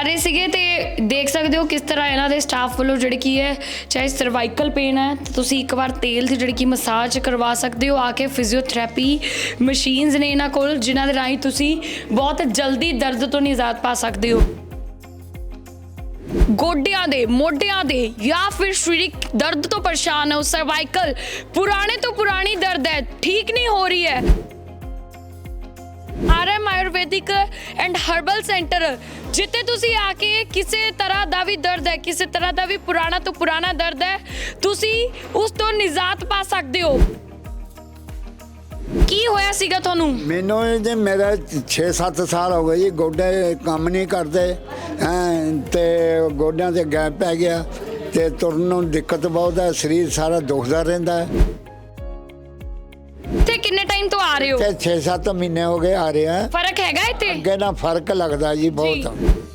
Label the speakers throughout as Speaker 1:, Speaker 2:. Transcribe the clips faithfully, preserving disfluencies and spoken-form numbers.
Speaker 1: ਰਹੇ ਸੀਗੇ ਤੇ ਦੇਖ ਸਕਦੇ ਹੋ ਕਿਸ ਤਰ੍ਹਾਂ ਇਹਨਾਂ ਦੇ ਸਟਾਫ ਵੱਲੋਂ ਜਿਹੜੀ ਕੀ ਹੈ ਚਾਹੇ ਸਰਵਾਈਕਲ ਪੇਨ ਹੈ ਤਾਂ ਤੁਸੀਂ ਇੱਕ ਵਾਰ ਤੇਲ ਦੀ ਜਿਹੜੀ ਕੀ ਮਸਾਜ ਕਰਵਾ ਸਕਦੇ ਹੋ ਆ ਕੇ। ਫਿਜ਼ੀਓਥੈਰੇਪੀ ਮਸ਼ੀਨਸ ਨੇ ਇਹਨਾਂ ਕੋਲ ਜਿਨ੍ਹਾਂ ਦੇ ਰਾਹੀਂ ਤੁਸੀਂ ਬਹੁਤ ਜਲਦੀ ਦਰਦ ਤੋਂ ਨਿਜਾਤ ਪਾ ਸਕਦੇ ਹੋ। गोडियां दे मोडियां दे या फिर शरीरिक दर्द तो परेशान हो, सर्वाइकल पुराने तो पुरानी दर्द है ठीक नहीं हो रही है, R M Ayurvedic and herbal centre जिते तुसी आके किसी तरह का भी दर्द है, किसी तरह का भी पुराना तो पुराना दर्द है, तुसी उस तो निजात पा सकते हो। ਕੀ ਹੋਇਆ ਸੀਗਾ ਤੁਹਾਨੂੰ?
Speaker 2: ਮੈਨੂੰ ਜੀ ਮੇਰਾ ਛੇ ਸੱਤ ਸਾਲ ਹੋ ਗਏ ਜੀ, ਗੋਡੇ ਕੰਮ ਨਹੀਂ ਕਰਦੇ ਤੇ ਗੋਡਿਆਂ ਤੇ ਗੈਪ ਪੈ ਗਿਆ ਤੇ ਤੁਰਨ ਨੂੰ ਦਿੱਕਤ ਬਹੁਤ ਹੈ, ਸਰੀਰ ਸਾਰਾ ਦੁਖਦਾ ਰਹਿੰਦਾ ਹੈ।
Speaker 1: ਤੇ ਕਿੰਨੇ ਟਾਈਮ ਤੋਂ ਆ ਰਹੇ ਹੋ?
Speaker 2: ਤੇ ਛੇ ਸੱਤ ਮਹੀਨੇ ਹੋ ਗਏ ਆ ਰਿਹਾ। ਫਰਕ
Speaker 1: ਹੈਗਾ ਇੱਥੇ?
Speaker 2: ਅੱਗੇ ਨਾ ਫਰਕ ਲੱਗਦਾ ਜੀ ਬਹੁਤ।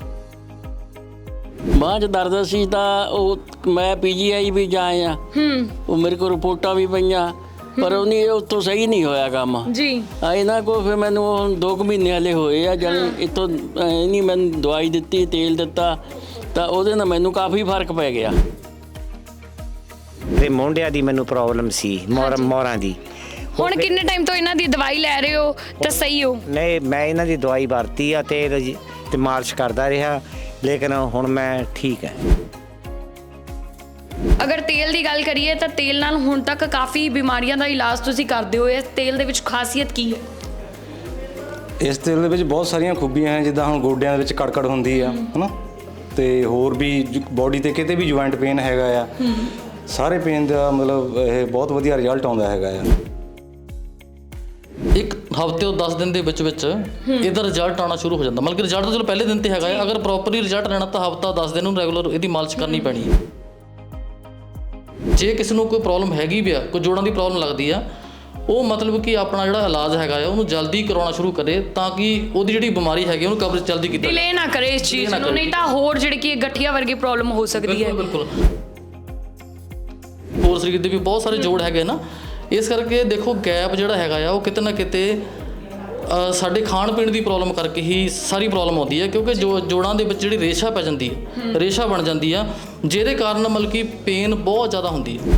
Speaker 3: ਬਾਂਹ 'ਚ ਦਰਦ ਸੀ ਤਾਂ ਉਹ ਮੈਂ ਪੀਜੀਆਈ ਵੀ ਜਾਇਆ, ਉਹ ਮੇਰੇ ਕੋਲ ਰਿਪੋਰਟਾਂ ਵੀ ਪਈਆਂ ਪਰ ਉਹਨੇ ਉੱਥੋਂ ਸਹੀ ਨਹੀਂ ਹੋਇਆ ਕੰਮ
Speaker 1: ਜੀ।
Speaker 3: ਇਹਨਾਂ ਕੋਲ ਫਿਰ ਮੈਨੂੰ ਦੋ ਕੁ ਮਹੀਨੇ ਹਲੇ ਹੋਏ ਆ, ਜਾਣੀ ਇੱਥੋਂ ਨਹੀਂ ਮੈਨੂੰ ਦਵਾਈ ਦਿੱਤੀ, ਤੇਲ ਦਿੱਤਾ ਤਾਂ ਉਹਦੇ ਨਾਲ ਮੈਨੂੰ ਕਾਫੀ ਫਰਕ ਪੈ ਗਿਆ।
Speaker 4: ਤੇ ਮੋਢਿਆਂ ਦੀ ਮੈਨੂੰ ਪ੍ਰੋਬਲਮ ਸੀ, ਮੋਰ ਮੋਰਾਂ ਦੀ।
Speaker 1: ਹੁਣ ਕਿੰਨੇ ਟਾਈਮ ਤੋਂ ਇਹਨਾਂ ਦੀ ਦਵਾਈ ਲੈ ਰਹੇ ਹੋ ਤਾਂ ਸਹੀ ਹੋ?
Speaker 4: ਨਹੀਂ, ਮੈਂ ਇਹਨਾਂ ਦੀ ਦਵਾਈ ਵਰਤੀ ਆ ਤੇ ਤੇ ਮਾਲਿਸ਼ ਕਰਦਾ ਰਿਹਾ, ਲੇਕਿਨ ਹੁਣ ਮੈਂ ਠੀਕ ਹੈ।
Speaker 1: ਅਗਰ ਤੇਲ ਦੀ ਗੱਲ ਕਰੀਏ ਤਾਂ ਤੇਲ ਨਾਲ ਹੁਣ ਤੱਕ ਕਾਫੀ ਬਿਮਾਰੀਆਂ ਦਾ ਇਲਾਜ ਤੁਸੀਂ ਕਰਦੇ ਹੋ। ਇਸ ਤੇਲ ਦੇ ਵਿੱਚ ਖਾਸੀਅਤ ਕੀ ਹੈ?
Speaker 5: ਇਸ ਤੇਲ ਦੇ ਵਿੱਚ ਬਹੁਤ ਸਾਰੀਆਂ ਖੂਬੀਆਂ ਹਨ, ਜਿੱਦਾਂ ਹੁਣ ਗੋਡਿਆਂ ਦੇ ਵਿੱਚ ਕੜਕੜ ਹੁੰਦੀ ਆ ਹਨਾ, ਤੇ ਹੋਰ ਵੀ ਬੋਡੀ ਤੇ ਕਿਤੇ ਵੀ ਜੁਆਇੰਟ ਪੇਨ ਹੈਗਾ ਆ, ਸਾਰੇ ਪੇਨ ਦਾ ਮਤਲਬ ਇਹ ਬਹੁਤ ਵਧੀਆ ਰਿਜ਼ਲਟ ਆਉਂਦਾ ਹੈਗਾ ਆ।
Speaker 6: ਇੱਕ ਹਫ਼ਤੇ ਤੋਂ ਦਸ ਦਿਨ ਦੇ ਵਿੱਚ ਵਿੱਚ ਇਹਦਾ ਰਿਜ਼ਲਟ ਆਉਣਾ ਸ਼ੁਰੂ ਹੋ ਜਾਂਦਾ। ਮਤਲਬ ਕਿ ਰਿਜ਼ਲਟ ਤਾਂ ਚਲੋ ਪਹਿਲੇ ਦਿਨ ਤੇ ਹੈਗਾ ਹੈ, ਅਗਰ ਪ੍ਰੋਪਰਲੀ ਰਿਜ਼ਲਟ ਲੈਣਾ ਤਾਂ ਹਫ਼ਤਾ ਦਸ ਦਿਨ ਨੂੰ ਰੈਗੂਲਰ ਇਹਦੀ ਮਾਲਿਸ਼ ਕਰਨੀ ਪੈਣੀ ਹੈ। ਜੇ ਕਿਸੇ ਨੂੰ ਕੋਈ ਪ੍ਰੋਬਲਮ ਹੈਗੀ ਵੀ ਆ, ਕੋਈ ਜੋੜਾਂ ਦੀ ਪ੍ਰੋਬਲਮ ਲੱਗਦੀ ਆ, ਉਹ ਮਤਲਬ ਕਿ ਆਪਣਾ ਜਿਹੜਾ ਇਲਾਜ ਹੈਗਾ ਆ ਉਹਨੂੰ ਜਲਦੀ ਕਰਾਉਣਾ ਸ਼ੁਰੂ ਕਰੇ ਤਾਂ ਕਿ ਉਹਦੀ ਜਿਹੜੀ ਬਿਮਾਰੀ ਹੈਗੀ ਉਹਨੂੰ ਕਵਰੇਜ ਜਲਦੀ ਕੀਤੀ ਜਾਵੇ।
Speaker 1: ਡਿਲੇ ਨਾ ਕਰੇ ਇਸ ਚੀਜ਼ ਨੂੰ, ਨਹੀਂ ਤਾਂ ਹੋਰ ਜਿਹੜੀ ਕਿ ਗਠੀਆ ਵਰਗੀ ਪ੍ਰੋਬਲਮ ਹੋ ਸਕਦੀ ਹੈ।
Speaker 6: ਬਿਲਕੁਲ ਹੋਰ ਸਰੀਰ ਦੇ ਵੀ ਬਹੁਤ ਸਾਰੇ ਜੋੜ ਹੈਗੇ ਨਾ, ਇਸ ਕਰਕੇ ਦੇਖੋ ਗੈਪ ਜਿਹੜਾ ਹੈਗਾ ਆ ਉਹ ਕਿਤੇ ਨਾ ਕਿਤੇ ਸਾਡੇ ਖਾਣ ਪੀਣ ਦੀ ਪ੍ਰੋਬਲਮ ਕਰਕੇ ਹੀ ਸਾਰੀ ਪ੍ਰੋਬਲਮ ਆਉਂਦੀ ਹੈ, ਕਿਉਂਕਿ ਜੋ ਜੋੜਾਂ ਦੇ ਵਿੱਚ ਜਿਹੜੀ ਰੇਸ਼ਾ ਪੈ ਜਾਂਦੀ ਹੈ, ਰੇਸ਼ਾ ਬਣ ਜਾਂਦੀ ਆ, ਜਿਹਦੇ ਕਾਰਨ ਮਤਲਬ ਕਿ ਪੇਨ ਬਹੁਤ ਜ਼ਿਆਦਾ ਹੁੰਦੀ ਹੈ।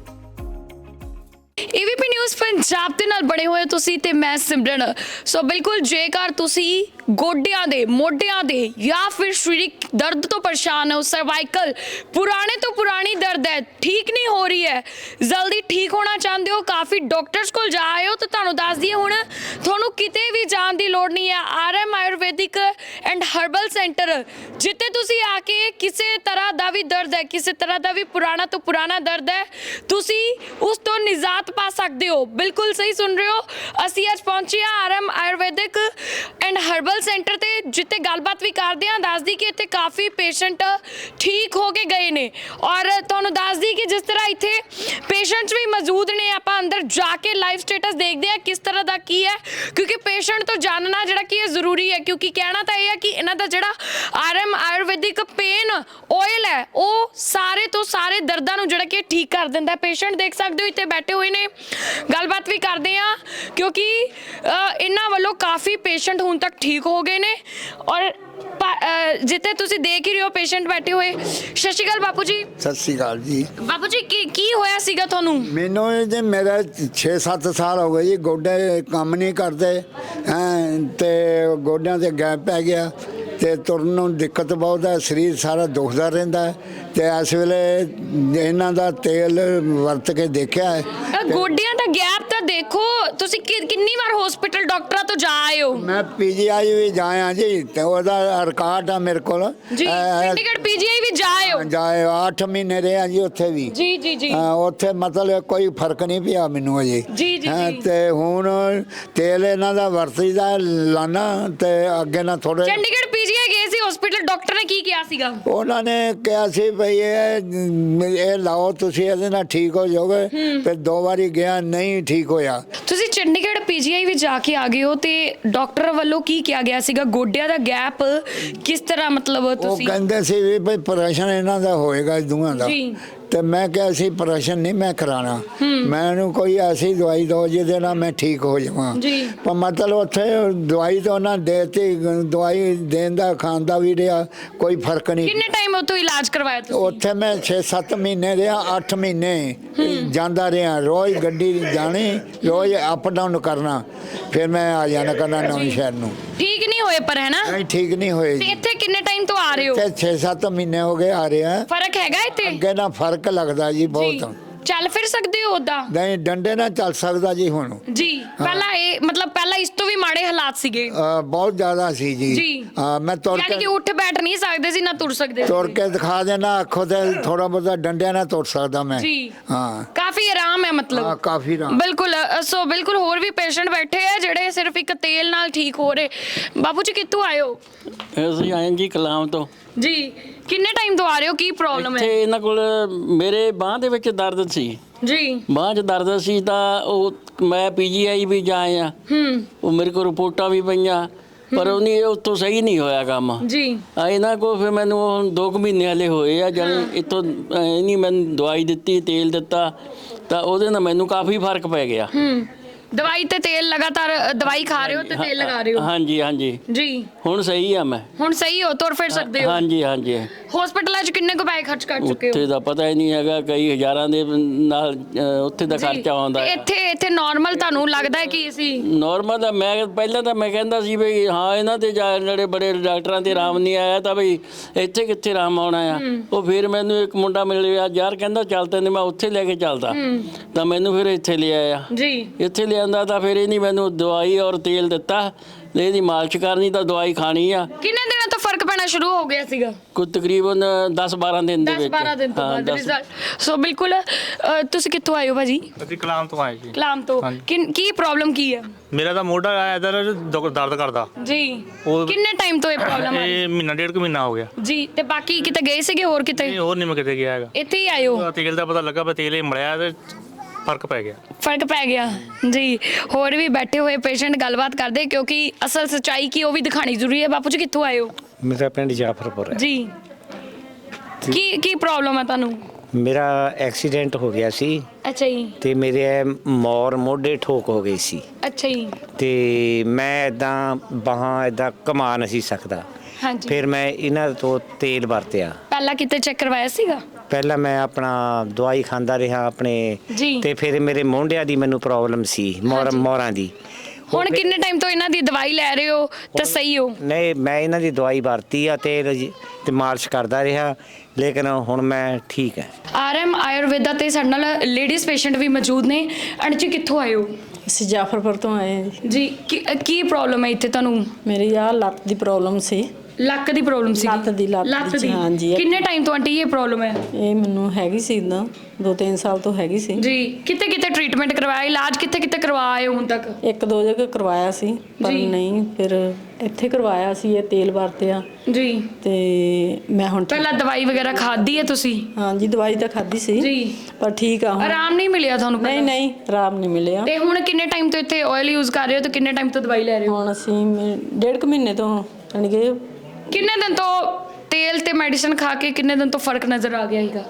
Speaker 1: ਏਬੀਪੀ ਨਿਊਜ਼ ਪੰਜਾਬ ਦੇ ਨਾਲ ਬਣੇ ਹੋਏ ਤੁਸੀਂ ਤੇ ਮੈਂ ਸਿਮਰਨ। ਸੋ ਬਿਲਕੁਲ ਜੇਕਰ ਤੁਸੀਂ ਗੋਡਿਆਂ ਦੇ ਮੋਢਿਆਂ ਦੇ ਜਾਂ ਫਿਰ ਸਰੀਰਿਕ ਦਰਦ ਤੋਂ ਪਰੇਸ਼ਾਨ ਹੋ, ਸਰਵਾਈਕਲ ਪੁਰਾਣੇ ਤੋਂ ਪੁਰਾਣੀ ਦਰਦ ਹੈ ਠੀਕ ਨਹੀਂ ਹੋ ਰਹੀ ਹੈ, ਜਲਦੀ ਠੀਕ ਹੋਣਾ ਚਾਹੁੰਦੇ ਹੋ, ਕਾਫੀ ਡਾਕਟਰਸ ਕੋਲ ਜਾ ਆਏ ਹੋ, ਤਾਂ ਤੁਹਾਨੂੰ ਦੱਸ ਦਈਏ ਹੁਣ ਤੁਹਾਨੂੰ ਕਿਤੇ ਵੀ ਜਾਣ ਦੀ ਲੋੜ ਨਹੀਂ ਹੈ। R M Ayurvedic and herbal centre ਜਿੱਥੇ ਤੁਸੀਂ ਆ ਕੇ ਕਿਸੇ ਤਰ੍ਹਾਂ ਦਾ ਵੀ ਦਰਦ ਹੈ, ਕਿਸੇ ਤਰ੍ਹਾਂ ਦਾ ਵੀ ਪੁਰਾਣਾ ਤੋਂ ਪੁਰਾਣਾ ਦਰਦ ਹੈ, ਤੁਸੀਂ ਉਸ ਤੋਂ ਨਿਜਾਤ ਪਾ ਸਕਦੇ ਹੋ। ਬਿਲਕੁਲ ਸਹੀ ਸੁਣ ਰਹੇ ਹੋ, ਅਸੀਂ ਅੱਜ ਪਹੁੰਚੇ ਹਾਂ R M Ayurvedic and herbal centre ਤੇ, ਜਿੱਥੇ ਗੱਲਬਾਤ ਵੀ ਕਰਦੇ ਹਾਂ। ਦੱਸਦੀ ਕਿ ਇੱਥੇ ਕਾਫੀ ਪੇਸ਼ੈਂਟ ਠੀਕ ਹੋ ਕੇ ਗਏ ਨੇ ਔਰ ਤੁਹਾਨੂੰ ਦੱਸਦੀ ਕਿ ਜਿਸ ਤਰ੍ਹਾਂ ਇੱਥੇ ਪੇਸ਼ੈਂਟਸ ਵੀ ਮੌਜੂਦ ਨੇ, ਆਪਾਂ ਅੰਦਰ ਜਾ ਕੇ ਲਾਈਵ ਸਟੇਟਸ ਦੇਖਦੇ ਹਾਂ ਕਿਸ ਤਰ੍ਹਾਂ ਦਾ ਕੀ ਹੈ, ਕਿਉਂਕਿ ਪੇਸ਼ੈਂਟ ਤੋਂ ਜਾਣਨਾ ਜਿਹੜਾ ਕੀ ਹੈ ਜ਼ਰੂਰੀ ਹੈ। ਕਿਉਂਕਿ ਕਹਿਣਾ ਤਾਂ ਇਹ ਹੈ ਕਿ ਇਹਨਾਂ ਦਾ ਜਿਹੜਾ R M Ayurvedic pain oil ਹੈ ਉਹ ਸਾਰੇ ਤੋਂ ਸਾਰੇ ਦਰਦਾਂ ਨੂੰ ਜਿਹੜਾ ਕਿ ਠੀਕ ਕਰ ਦਿੰਦਾ। ਪੇਸ਼ੈਂਟ ਦੇਖ ਸਕਦੇ ਹੋ ਇੱਥੇ ਬੈਠੇ ਹੋਏ ਨੇ, ਗੱਲਬਾਤ ਵੀ ਕਰਦੇ ਹਾਂ ਕਿਉਂਕਿ ਇਹਨਾਂ ਵੱਲੋਂ ਕਾਫੀ ਪੇਸ਼ੈਂਟ ਹੁਣ ਤੱਕ ਠੀਕ ਹੋ ਗਏ ਨੇ ਔਰ ਜਿੱਥੇ ਤੁਸੀਂ ਦੇਖ ਹੀ ਰਹੇ ਹੋ ਪੇਸ਼ੈਂਟ ਬੈਠੇ ਹੋਏ। ਸਤਿ ਸ਼੍ਰੀ ਅਕਾਲ ਬਾਪੂ ਜੀ।
Speaker 2: ਸਤਿ ਸ਼੍ਰੀ ਅਕਾਲ ਜੀ।
Speaker 1: ਬਾਪੂ ਜੀ ਕੀ ਕੀ ਹੋਇਆ ਸੀਗਾ ਤੁਹਾਨੂੰ?
Speaker 2: ਮੈਨੂੰ ਜੀ ਮੇਰਾ ਛੇ ਸੱਤ ਸਾਲ ਹੋ ਗਏ ਜੀ, ਗੋਡੇ ਕੰਮ ਨਹੀਂ ਕਰਦੇ ਤੇ ਗੋਡਿਆਂ ਤੇ ਗੈਪ ਪੈ ਗਿਆ ਤੇ ਤੁਰਨ ਨੂੰ ਦਿੱਕਤ ਬਹੁਤ ਹੈ, ਸਰੀਰ ਸਾਰਾ ਦੁਖਦਾ ਰਹਿੰਦਾ ਤੇ ਇਸ ਵੇਲੇ ਇਹਨਾਂ ਦਾ ਤੇਲ ਵਰਤ ਕੇ ਦੇਖਿਆ ਹੈ।
Speaker 1: ਗੋਡਿਆਂ ਦਾ ਗੈਪ ਤਾਂ ਦੇਖੋ, ਤੁਸੀਂ ਕਿੰਨੀ ਵਾਰ ਹਸਪੀਟਲ ਡਾਕਟਰਾਂ ਤੋਂ ਜਾ ਆਏ ਹੋ?
Speaker 2: ਮੈਂ ਪੀਜੀਆਈ ਵੀ ਜਾਇਆ ਜੀ ਤੇ ਉਹਦਾ ਰਿਕਾਰਡ ਆ ਮੇਰੇ ਕੋਲ
Speaker 1: ਜੀ। ਚੰਡੀਗੜ੍ਹ ਪੀਜੀਆਈ ਵੀ ਜਾ ਆਏ ਹੋ?
Speaker 2: ਜਾਏ ਅੱਠ ਮਹੀਨੇ ਰਿਹਾ ਜੀ ਉੱਥੇ ਵੀ।
Speaker 1: ਜੀ ਜੀ ਜੀ।
Speaker 2: ਉੱਥੇ ਮਤਲਬ ਕੋਈ ਫਰਕ ਨਹੀਂ ਪਿਆ ਮੈਨੂੰ ਅਜੇ।
Speaker 1: ਜੀ ਜੀ ਜੀ।
Speaker 2: ਤੇ ਹੁਣ ਤੇਲ ਇਹਨਾਂ ਦਾ ਵਰਤੀਦਾ ਲਾਣਾ ਤੇ ਅੱਗੇ ਨਾ ਥੋੜੇ।
Speaker 1: ਚੰਡੀਗੜ੍ਹ ਪੀਜੀਆਈ ਗਏ ਸੀ ਹਸਪੀਟਲ, ਡਾਕਟਰ ਨੇ ਕੀ ਕਿਹਾ ਸੀਗਾ?
Speaker 2: ਉਹਨਾਂ ਨੇ ਕਿਹਾ ਸੀ ਭਈ ਇਹ ਇਹ ਲਾਓ ਤੁਸੀਂ, ਇਹਦੇ ਨਾਲ ਠੀਕ ਹੋ ਜਾਓਗੇ। ਫਿਰ ਦੋ ਵਾਰੀ ਗਿਆ, ਨਹੀਂ ਠੀਕ ਹੋਇਆ।
Speaker 1: ਤੁਸੀਂ ਚੰਡੀਗੜ੍ਹ ਪੀਜੀਆਈ ਵਿੱਚ ਜਾ ਕੇ ਆ ਗਏ ਹੋ ਤੇ ਡਾਕਟਰ ਵੱਲੋਂ ਕੀ ਕਿਹਾ ਗਿਆ ਸੀਗਾ? ਗੋਡਿਆਂ ਦਾ ਗੈਪ ਕਿਸ ਤਰ੍ਹਾਂ ਮਤਲਬ ਤੁਸੀਂ?
Speaker 2: ਉਹ ਕਹਿੰਦੇ ਸੀ ਵੀ ਭਈ ਆਪਰੇਸ਼ਨ ਇਹਨਾਂ ਦਾ ਹੋਏਗਾ ਦੋਹਾਂ ਦਾ। ਤੇ ਮੈਂ ਕਿਹਾ ਸੀ ਆਪਰੇਸ਼ਨ ਨਹੀਂ ਮੈਂ ਕਰਾਣਾ, ਮੈਨੂੰ ਕੋਈ ਐਸੀ ਦਵਾਈ ਦਿਓ ਜਿਹਦੇ ਨਾਲ ਮੈਂ ਠੀਕ ਹੋ ਜਾਵਾਂ। ਪਰ ਮਤਲਬ ਉੱਥੇ ਦਵਾਈ ਤਾਂ ਉਹਨਾਂ ਦੇਤੀ, ਦਵਾਈ ਦੇਣ ਦਾ ਖਾਣ ਦਾ ਜਾਂਦਾ ਵੀ ਰਿਹਾ, ਕੋਈ ਫਰਕ ਨਹੀਂ।
Speaker 1: ਕਿੰਨੇ ਟਾਈਮ ਉਤੋਂ ਇਲਾਜ ਕਰਵਾਇਆ ਤੁਸੀਂ?
Speaker 2: ਉੱਥੇ ਮੈਂ ਛੇ ਸੱਤ ਮਹੀਨੇ ਰਿਹਾ, ਅੱਠ ਮਹੀਨੇ ਜਾਂਦਾ ਰਿਹਾ, ਰੋਜ਼ ਗੱਡੀ ਜਾਣੀ, ਰੋਜ਼ ਅਪ ਡਾਊਨ ਕਰਨਾ, ਫਿਰ ਮੈਂ ਆ ਜਾਣਾ ਕਰਨਾ ਨਵੇਂ ਸ਼ਹਿਰ ਨੂੰ।
Speaker 1: ਠੀਕ ਨਹੀਂ ਹੋਏ ਪਰ, ਹੈ ਨਾ?
Speaker 2: ਨਹੀਂ ਠੀਕ ਨਹੀਂ ਹੋਏ
Speaker 1: ਤੇ
Speaker 2: ਜੀ।
Speaker 1: ਇੱਥੇ ਕਿੰਨੇ ਟਾਈਮ ਤੋਂ ਆ ਰਹੇ ਹੋ?
Speaker 2: ਤੇ ਛੇ ਸੱਤ ਮਹੀਨੇ ਹੋ ਗਏ ਆ ਰਿਹਾ।
Speaker 1: ਫਰਕ ਹੈਗਾ ਇੱਥੇ?
Speaker 2: ਅੱਗੇ ਨਾ ਫਰਕ ਲੱਗਦਾ ਜੀ
Speaker 1: ਜੀ।
Speaker 2: ਬਹੁਤ।
Speaker 1: ਚੱਲ ਫਿਰ ਸਕਦੇ ਹੋ ਉਦਾਂ?
Speaker 2: ਨਹੀਂ ਡੰਡੇ ਨਾਲ ਚੱਲ ਸਕਦਾ ਜੀ ਹੁਣ।
Speaker 1: ਜੀ ਪਹਿਲਾਂ ਇਹ ਮਤਲਬ ਪਹਿਲਾਂ ਇਸ ਤੋਂ ਵੀ ਮਾੜੇ ਹਾਲਾਤ ਸੀਗੇ?
Speaker 2: ਅ, ਬਹੁਤ ਜ਼ਿਆਦਾ ਸੀ ਜੀ।
Speaker 1: ਜੀ।
Speaker 2: ਹਾਂ, ਮੈਂ ਤੁਰ
Speaker 1: ਯਾਨੀ ਕਿ
Speaker 2: ਕੇ
Speaker 1: ਉੱਠ ਬੈਠ ਨਹੀਂ ਸਕਦੇ ਸੀ, ਨਾ ਤੁਰ ਸਕਦੇ ਸੀ?
Speaker 2: ਤੁਰ ਕੇ ਦਿਖਾ ਦੇਣਾ, ਅੱਖੋਂ ਤੇ ਥੋੜਾ ਬਹੁਤਾ ਡੰਡਿਆਂ ਨਾਲ ਤੁਰ ਸਕਦਾ ਮੈਂ।
Speaker 1: ਜੀ।
Speaker 2: ਹਾਂ
Speaker 1: ਕਾਫੀ ਆਰਾਮ ਹੈ ਮਤਲਬ?
Speaker 2: ਹਾਂ ਕਾਫੀ ਰਾਮ।
Speaker 1: ਬਿਲਕੁਲ। ਅ, ਸੋ ਬਿਲਕੁਲ ਹੋਰ ਵੀ ਪੇਸ਼ੈਂਟ ਬੈਠੇ ਆ ਜਿਹੜੇ ਸਿਰਫ ਇੱਕ ਤੇਲ ਨਾਲ ਠੀਕ ਹੋ ਰਹੇ। ਬਾਪੂ ਜੀ ਕਿੱਥੋਂ ਆਏ ਹੋ?
Speaker 3: ਅਸੀਂ ਆਏ ਜੀ ਕਲਾਮ ਤੋਂ।
Speaker 1: ਜੀ ਕਿੰਨੇ ਟਾਈਮ ਤੋਂ ਆ ਰਹੇ ਹੋ? ਕੀ ਪ੍ਰੋਬਲਮ
Speaker 3: ਇੱਥੇ
Speaker 1: ਹੈ?
Speaker 3: ਇਹਨਾਂ ਕੋਲ ਮੇਰੇ ਬਾਂਹ ਦੇ ਵਿੱਚ ਦਰਦ ਸੀ,
Speaker 1: ਜੀ।
Speaker 3: ਬਾਂਹ 'ਚ ਦਰਦ ਸੀ ਤਾਂ ਉਹ ਮੈਂ ਪੀਜੀਆਈ ਵੀ ਜਾਏ ਆ,
Speaker 1: ਹੂੰ।
Speaker 3: ਉਹ ਮੇਰੇ ਕੋਲ ਰਿਪੋਰਟਾਂ ਵੀ ਪਈਆਂ, ਪਰ ਉਹਨੇ ਉੱਥੋਂ ਸਹੀ ਨਹੀਂ ਹੋਇਆ ਕੰਮ।
Speaker 1: ਜੀ।
Speaker 3: ਆ ਇਹਨਾਂ ਕੋਲ ਫਿਰ ਮੈਨੂੰ ਹੁਣ ਦੋ ਕੁ ਮਹੀਨੇ ਹਲੇ ਹੋਏ ਆ, ਜਾਣੀ ਇੱਥੋਂ ਨਹੀਂ ਮੈਨੂੰ ਦਵਾਈ ਦਿੱਤੀ, ਤੇਲ ਦਿੱਤਾ, ਤਾਂ ਉਹਦੇ ਨਾਲ ਮੈਨੂੰ ਕਾਫੀ ਫਰਕ ਪੈ ਗਿਆ।
Speaker 1: ਹੂੰ। ਦਵਾਈ ਤੇ ਤੇਲ ਲਗਾਤਾਰ ਅ, ਦਵਾਈ ਖਾ ਰਹੇ ਹੋ ਤੇ ਤੇਲ ਲਗਾ ਰਹੇ ਹੋ?
Speaker 3: ਹਾਂਜੀ ਹਾਂਜੀ
Speaker 1: ਜੀ।
Speaker 3: ਹੁਣ ਸਹੀ ਆ ਮੈਂ।
Speaker 1: ਹੁਣ ਸਹੀ ਹੋ, ਤੁਰ ਫਿਰ ਸਕਦੇ ਹੋ?
Speaker 3: ਹਾਂਜੀ ਹਾਂਜੀ।
Speaker 1: ਹਸਪੀਟਲਾਂ 'ਚ ਕਿੰਨੇ ਕੁ ਪੈਸੇ ਖਰਚ ਕਰ ਚੁੱਕੇ ਹੋ?
Speaker 3: ਉੱਥੇ ਦਾ ਪਤਾ ਹੀ ਨਹੀਂ ਹੈਗਾ, ਕਈ ਹਜ਼ਾਰਾਂ ਦੇ ਨਾਲ ਅ, ਉੱਥੇ ਦਾ
Speaker 1: ਜੀ।
Speaker 3: ਖਰਚਾ ਆਉਂਦਾ
Speaker 1: ਤੇ
Speaker 3: ਹੈ।
Speaker 1: ਇੱਥੇ ਇੱਥੇ ਨਾਰਮਲ ਤੁਹਾਨੂੰ ਲੱਗਦਾ ਹੈ ਕਿ ਅਸੀਂ?
Speaker 3: ਨੋਰਮਲ ਤਾਂ ਮੈਂ ਪਹਿਲਾਂ ਤਾਂ ਮੈਂ ਕਹਿੰਦਾ ਸੀ ਵੀ ਹਾਂ ਇਹਨਾਂ ਤੇ ਜਾ ਜਿਹੜੇ ਬੜੇ ਡਾਕਟਰਾਂ ਤੇ ਆਰਾਮ ਨਹੀਂ ਆਇਆ, ਤਾਂ ਬਈ ਇੱਥੇ ਕਿੱਥੇ ਆਰਾਮ ਆਉਣਾ ਆ। ਉਹ ਫਿਰ ਮੈਨੂੰ ਇੱਕ ਮੁੰਡਾ ਮਿਲਿਆ, ਯਾਰ ਕਹਿੰਦਾ ਚੱਲ ਤੈਨੂੰ ਮੈਂ ਉੱਥੇ ਲੈ ਕੇ ਚੱਲਦਾ, ਤਾਂ ਮੈਨੂੰ ਫਿਰ ਇੱਥੇ ਲੈ ਆਇਆ।
Speaker 1: ਜੀ।
Speaker 3: ਇੱਥੇ ਲਿਆਂਦਾ ਤਾਂ ਫਿਰ ਇਹਨੇ ਮੈਨੂੰ ਦਵਾਈ ਔਰ ਤੇਲ ਦਿੱਤਾ, ਇਹਦੀ ਮਾਲਿਸ਼ ਕਰਨੀ ਤਾਂ ਦਵਾਈ ਖਾਣੀ ਆ।
Speaker 1: ਕਿੰਨੇ ਦਿਨਾਂ ਤੋਂ ਫਰਕ ਪੈਣਾ ਸ਼ੁਰੂ ਹੋ ਗਿਆ ਸੀਗਾ?
Speaker 3: ਕੋਈ ਤਕਰੀਬਨ ਦਸ ਬਾਰਾਂ ਦਿਨ ਦੇ
Speaker 1: ਦਸ
Speaker 3: ਵਿੱਚ।
Speaker 1: ਬਾਰਾਂ ਦਿਨ ਤੋਂ
Speaker 3: ਹਾਂ,
Speaker 1: ਬਾਅਦ
Speaker 3: ਦਸ-
Speaker 1: ਰਿਜ਼ਲਟ। ਸੋ ਬਿਲਕੁਲ। ਅ, ਤੁਸੀਂ ਕਿੱਥੋਂ ਆਏ ਹੋ ਭਾਜੀ?
Speaker 7: ਅਸੀਂ ਕਲਾਮ ਤੋਂ ਆਏ ਜੀ।
Speaker 1: ਕਲਾਮ ਤੋਂ।
Speaker 7: ਹਾਂਜੀ।
Speaker 1: ਕਿਨ- ਕੀ ਪ੍ਰੋਬਲਮ ਕੀ ਹੈ?
Speaker 7: ਮੇਰਾ ਤਾਂ ਮੋਢਾ ਇਧਰ ਦਰਦ ਕਰਦਾ।
Speaker 1: ਜੀ।
Speaker 7: ਉਹ-
Speaker 1: ਕਿੰਨੇ ਟਾਈਮ ਤੋਂ ਇਹ ਪ੍ਰੋਬਲਮ ਹੈ?
Speaker 7: ਇਹ ਮਹੀਨਾ ਡੇਢ ਕੁ ਮਹੀਨਾ ਹੋ ਗਿਆ।
Speaker 1: ਜੀ। ਤੇ ਬਾਕੀ ਕਿਤੇ ਗਏ ਸੀਗੇ ਹੋਰ ਕਿਤੇ?
Speaker 7: ਨਹੀਂ ਹੋਰ ਨਹੀਂ ਮੈਂ ਕਿਤੇ ਗਿਆ ਹੈਗਾ।
Speaker 1: ਇੱਥੇ ਹੀ ਆਏ ਹੋ?
Speaker 7: ਤੇਲ ਦਾ ਪਤਾ ਲੱਗਾ, ਪਰ ਤੇਲ ਇਹ ਮਲਿਆ ਤੇ ਫਰਕ ਪੈ ਗਿਆ।
Speaker 1: ਫਰਕ ਪੈ ਗਿਆ ਜੀ। ਹੋਰ ਵੀ ਬੈਠੇ ਹੋਏ ਪੇਸ਼ੈਂਟ ਗੱਲਬਾਤ ਕਰਦੇ, ਕਿਉਂਕਿ ਅਸਲ ਸੱਚਾਈ ਕੀ ਉਹ ਵੀ ਦਿਖਾਣੀ ਜ਼ਰੂਰੀ ਹੈ। ਬਾਪੂ ਜੀ ਕਿੱਥੋਂ ਆਏ ਹੋ?
Speaker 4: ਮੇਰਾ ਪਿੰਡ ਜਾਫਰਪੁਰ ਹੈ।
Speaker 1: ਜੀ। ਕੀ ਕੀ ਪ੍ਰੋਬਲਮ ਹੈ ਤੁਹਾਨੂੰ?
Speaker 4: ਮੇਰਾ ਐਕਸੀਡੈਂਟ ਹੋ ਗਿਆ ਸੀ
Speaker 1: ਅੱਛਾ ਜੀ।
Speaker 4: ਤੇ ਮੇਰੇ ਮੋਰ ਮੋਢੇ ਠੋਕ ਹੋ ਗਈ ਸੀ,
Speaker 1: ਅੱਛਾ ਜੀ।
Speaker 4: ਤੇ ਮੈਂ ਇਦਾਂ ਬਾਹਾਂ ਇਦਾਂ ਕਮਾ ਨਹੀਂ ਸੀ ਸਕਦਾ।
Speaker 1: ਹਾਂਜੀ।
Speaker 4: ਫਿਰ ਮੈਂ ਇਹਨਾਂ ਤੋਂ ਤੇਲ ਵਰਤਿਆ।
Speaker 1: ਪਹਿਲਾਂ ਕਿਤੇ ਚੈੱਕ ਕਰਵਾਇਆ ਸੀਗਾ?
Speaker 4: ਪਹਿਲਾਂ ਮੈਂ ਆਪਣਾ ਦਵਾਈ ਖਾਂਦਾ ਰਿਹਾ ਆਪਣੇ,
Speaker 1: ਜੀ।
Speaker 4: ਤੇ ਫਿਰ ਮੇਰੇ ਮੋਢਿਆਂ ਦੀ ਮੈਨੂੰ ਪ੍ਰੋਬਲਮ ਸੀ, ਮੋਰ
Speaker 1: ਹਾਂਜੀ।
Speaker 4: ਮੋਰਾਂ ਦੀ।
Speaker 1: ਹੁਣ ਕਿੰਨੇ ਟਾਈਮ ਤੋਂ ਇਹਨਾਂ ਦੀ ਦਵਾਈ ਲੈ ਰਹੇ ਹੋ ਤਾਂ ਸਹੀ ਹੋ?
Speaker 4: ਨਹੀਂ, ਮੈਂ ਇਹਨਾਂ ਦੀ ਦਵਾਈ ਵਰਤੀ ਆ ਤੇ ਰਜ- ਤੇ ਮਾਲਿਸ਼ ਕਰਦਾ ਰਿਹਾ, ਲੇਕਿਨ ਹੁਣ ਮੈਂ ਠੀਕ ਹੈ।
Speaker 1: ਆਰਐਮ ਆਯੁਰਵੇਦਾ ਤੇ ਸਾਡੇ ਨਾਲ ਲੇਡੀਜ਼ ਪੇਸ਼ੈਂਟ ਵੀ ਮੌਜੂਦ ਨੇ। ਅਣਜੀ ਕਿੱਥੋਂ ਆਏ ਹੋ?
Speaker 8: ਅਸੀਂ ਜਾਫਰਪੁਰ ਤੋਂ ਆਏ ਹਾਂ ਜੀ।
Speaker 1: ਜੀ। ਕੀ ਕੀ ਪ੍ਰੋਬਲਮ ਹੈ ਇੱਥੇ ਤੁਹਾਨੂੰ?
Speaker 8: ਮੇਰੀ ਆਹ ਲੱਤ ਦੀ ਪ੍ਰੋਬਲਮ ਸੀ।
Speaker 1: ਲੱਕ ਦੀ ਪ੍ਰੋਬਲਮ ਸੀ?
Speaker 8: ਲੱਤ ਦੀ, ਲੱਤ ਦੀ, ਹਾਂਜੀ।
Speaker 1: ਕਿੰਨੇ ਟਾਈਮ ਤੋਂ ਆਂਟੀ ਇਹ ਪ੍ਰੋਬਲਮ ਹੈ?
Speaker 8: ਇਹ ਮੈਨੂੰ ਹੈਗੀ ਸੀ ਇਦਾਂ ਦੋ ਤਿੰਨ ਸਾਲ ਤੋਂ ਹੈਗੀ ਸੀ।
Speaker 1: ਜੀ। ਕਿਤੇ ਕਿਤੇ ਟ੍ਰੀਟਮੈਂਟ ਕਰਵਾਇਆ, ਇਲਾਜ ਕਿੱਥੇ ਕਿਤੇ ਕਰਵਾਏ ਹੋ ਹੁਣ ਤੱਕ?
Speaker 8: ਇੱਕ ਦੋ ਜਗ੍ਹਾ ਕਰਵਾਇਆ ਸੀ, ਪਰ
Speaker 1: ਜੀ।
Speaker 8: ਨਹੀਂ, ਫਿਰ ਇੱਥੇ ਕਰਵਾਇਆ ਸੀ, ਇਹ ਤੇਲ ਵਰਤਿਆ
Speaker 1: ਜੀ।
Speaker 8: ਤੇ ਮੈਂ ਹੁਣ ਠੀਕ-
Speaker 1: ਪਹਿਲਾਂ ਦਵਾਈ ਵਗੈਰਾ ਖਾਧੀ ਹੈ ਤੁਸੀਂ?
Speaker 8: ਹਾਂਜੀ ਦਵਾਈ ਤਾਂ ਖਾਧੀ ਸੀ
Speaker 1: ਜੀ।
Speaker 8: ਪਰ ਠੀਕ ਆ ਹੁਣ।
Speaker 1: ਆਰਾਮ ਨਹੀਂ ਮਿਲਿਆ ਤੁਹਾਨੂੰ?
Speaker 8: ਨਹੀਂ
Speaker 1: ਪਹਿਲਾਂ?
Speaker 8: ਨਹੀਂ ਆਰਾਮ ਨਹੀਂ ਮਿਲਿਆ।
Speaker 1: ਤੇ ਹੁਣ ਕਿੰਨੇ ਟਾਈਮ ਤੋਂ ਇੱਥੇ ਆਇਲ ਯੂਜ਼ ਕਰ ਰਹੇ ਹੋ ਤੇ ਕਿੰਨੇ ਟਾਈਮ ਤੋਂ ਦਵਾਈ ਲੈ ਰਹੇ ਹੋ?
Speaker 8: ਹੁਣ ਅਸੀਂ ਮ- ਡੇਢ ਕੁ ਮਹੀਨੇ ਤੋਂ ਯਾਨੀ ਕਿ
Speaker 1: ਕਿੰਨੇ ਦਿਨ ਤੋਂ ਤੇਲ ਤੇ ਮੈਡੀਸਿਨ ਖਾ ਕੇ ਕਿੰਨੇ ਦਿਨ ਤੋਂ ਫਰਕ ਨਜ਼ਰ ਆ ਗਿਆ ਹੈਗਾ?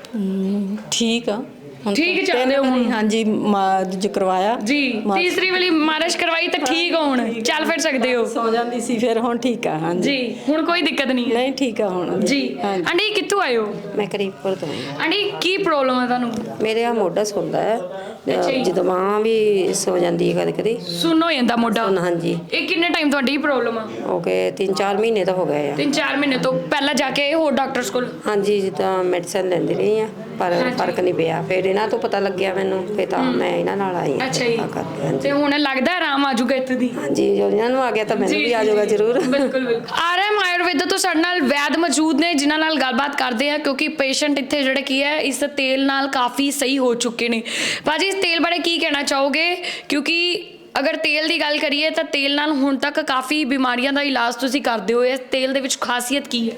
Speaker 8: ਹਮ, ਠੀਕ ਆ ਹੁਣ
Speaker 1: ਠੀਕ
Speaker 8: ਤਾਂ
Speaker 1: ਚੱਲਦੇ ਹੋ
Speaker 8: ਤਿੰਨ ਵਾਰੀ,
Speaker 1: ਹੁਣ?
Speaker 8: ਹਾਂਜੀ ਮਾਲਿਸ਼ ਕਰਵਾਇਆ
Speaker 1: ਜੀ।
Speaker 8: ਮਾਲਿਸ਼-
Speaker 1: ਤੀਸਰੀ ਵਾਲੀ ਮਾਲਿਸ਼ ਕਰਵਾਈ ਤਾਂ ਠੀਕ ਹੋ, ਹੁਣ ਚੱਲ ਫਿਰ ਸਕਦੇ ਹੋ?
Speaker 8: ਸੌ ਜਾਂਦੀ ਸੀ, ਫਿਰ ਹੁਣ ਠੀਕ ਆ। ਹਾਂਜੀ
Speaker 1: ਜੀ। ਹੁਣ ਕੋਈ ਦਿੱਕਤ ਨਹੀਂ ਹੈ?
Speaker 8: ਨਹੀਂ ਠੀਕ ਆ ਹੁਣ
Speaker 1: ਜੀ।
Speaker 8: ਹਾਂਜੀ।
Speaker 1: ਆਂਟੀ ਕਿੱਥੋਂ ਆਏ ਹੋ?
Speaker 9: ਮੈਂ ਕਰੀਬਪੁਰ ਤੋਂ ਆਈ ਹਾਂ।
Speaker 1: ਆਂਟੀ ਕੀ ਪ੍ਰੋਬਲਮ ਹੈ ਤੁਹਾਨੂੰ?
Speaker 9: ਮੇਰੇ ਆ ਮੋਢਾ ਸੁੰਦਾ ਹੈ,
Speaker 1: ਅੱਛਾ ਜੀ।
Speaker 9: ਜਦੋਂ ਬਾਂਹ ਵੀ ਸੋ ਜਾਂਦੀ ਹੈ ਕਦੇ ਕਦੇ।
Speaker 1: ਸੁੰਨ ਹੋ ਜਾਂਦਾ ਮੋਢਾ?
Speaker 9: ਸੁੰਨ, ਹਾਂਜੀ।
Speaker 1: ਇਹ ਕਿੰਨੇ ਟਾਈਮ ਤੁਹਾਡੀ ਇਹ ਪ੍ਰੋਬਲਮ ਆ?
Speaker 9: ਹੋ ਗਏ ਤਿੰਨ ਚਾਰ ਮਹੀਨੇ ਤਾਂ ਹੋ ਗਏ ਆ।
Speaker 1: ਤਿੰਨ ਚਾਰ ਮਹੀਨੇ ਤੋਂ ਪਹਿਲਾਂ ਜਾ ਕੇ ਹੋਰ ਡਾਕਟਰਸ ਕੋਲ?
Speaker 9: ਹਾਂਜੀ ਜਿੱਦਾਂ ਮੈਡੀਸਨ ਲੈਂਦੀ ਰਹੀ ਆ, ਪਰ
Speaker 1: ਹਾਂਜੀ।
Speaker 9: ਫਰਕ ਨਹੀਂ ਪਿਆ। ਫਿਰ ਇਹਨਾਂ ਤੋਂ ਪਤਾ ਲੱਗਿਆ ਮੈਨੂੰ, ਫਿਰ ਤਾਂ ਮੈਂ ਇਹਨਾਂ ਨਾਲ ਆਈ ਹਾਂ।
Speaker 1: ਅੱਛਾ ਜੀ।
Speaker 9: ਤਾਂ ਕਰਕੇ, ਹਾਂਜੀ।
Speaker 1: ਤੇ ਹੁਣ ਲੱਗਦਾ ਆਰਾਮ ਆ ਜਾਊਗਾ ਇੱਥੇ ਦੀ?
Speaker 9: ਹਾਂਜੀ ਜੋ ਇਹਨਾਂ ਨੂੰ ਆ ਗਿਆ ਤਾਂ ਮੈਨੂੰ ਵੀ ਆ ਜਾਊਗਾ ਜ਼ਰੂਰ।
Speaker 1: ਬਿਲਕੁਲ ਬਿਲਕੁਲ। ਆਰਐਮ ਆਯੁਰਵੇਦਾ ਤੋਂ ਸਾਡੇ ਨਾਲ ਵੈਦ ਮੌਜੂਦ ਨੇ ਜਿਨ੍ਹਾਂ ਨਾਲ ਗੱਲਬਾਤ ਕਰਦੇ ਆ, ਕਿਉਂਕਿ ਪੇਸ਼ੈਂਟ ਇੱਥੇ ਜਿਹੜੇ ਕੀ ਹੈ ਇਸ ਤੇਲ ਨਾਲ ਕਾਫੀ ਸਹੀ ਹੋ ਚੁੱਕੇ ਨੇ। ਭਾਜੀ ਇਸ ਤੇਲ ਬਾਰੇ ਕੀ ਕਹਿਣਾ ਚਾਹੋਗੇ? ਕਿਉਂਕਿ ਅਗਰ ਤੇਲ ਦੀ ਗੱਲ ਕਰੀਏ ਤਾਂ ਤੇਲ ਨਾਲ ਹੁਣ ਤੱਕ ਕਾਫੀ ਬਿਮਾਰੀਆਂ ਦਾ ਇਲਾਜ ਤੁਸੀਂ ਕਰਦੇ ਹੋ। ਇਸ ਤੇਲ ਦੇ ਵਿੱਚ ਖਾਸੀਅਤ ਕੀ ਹੈ?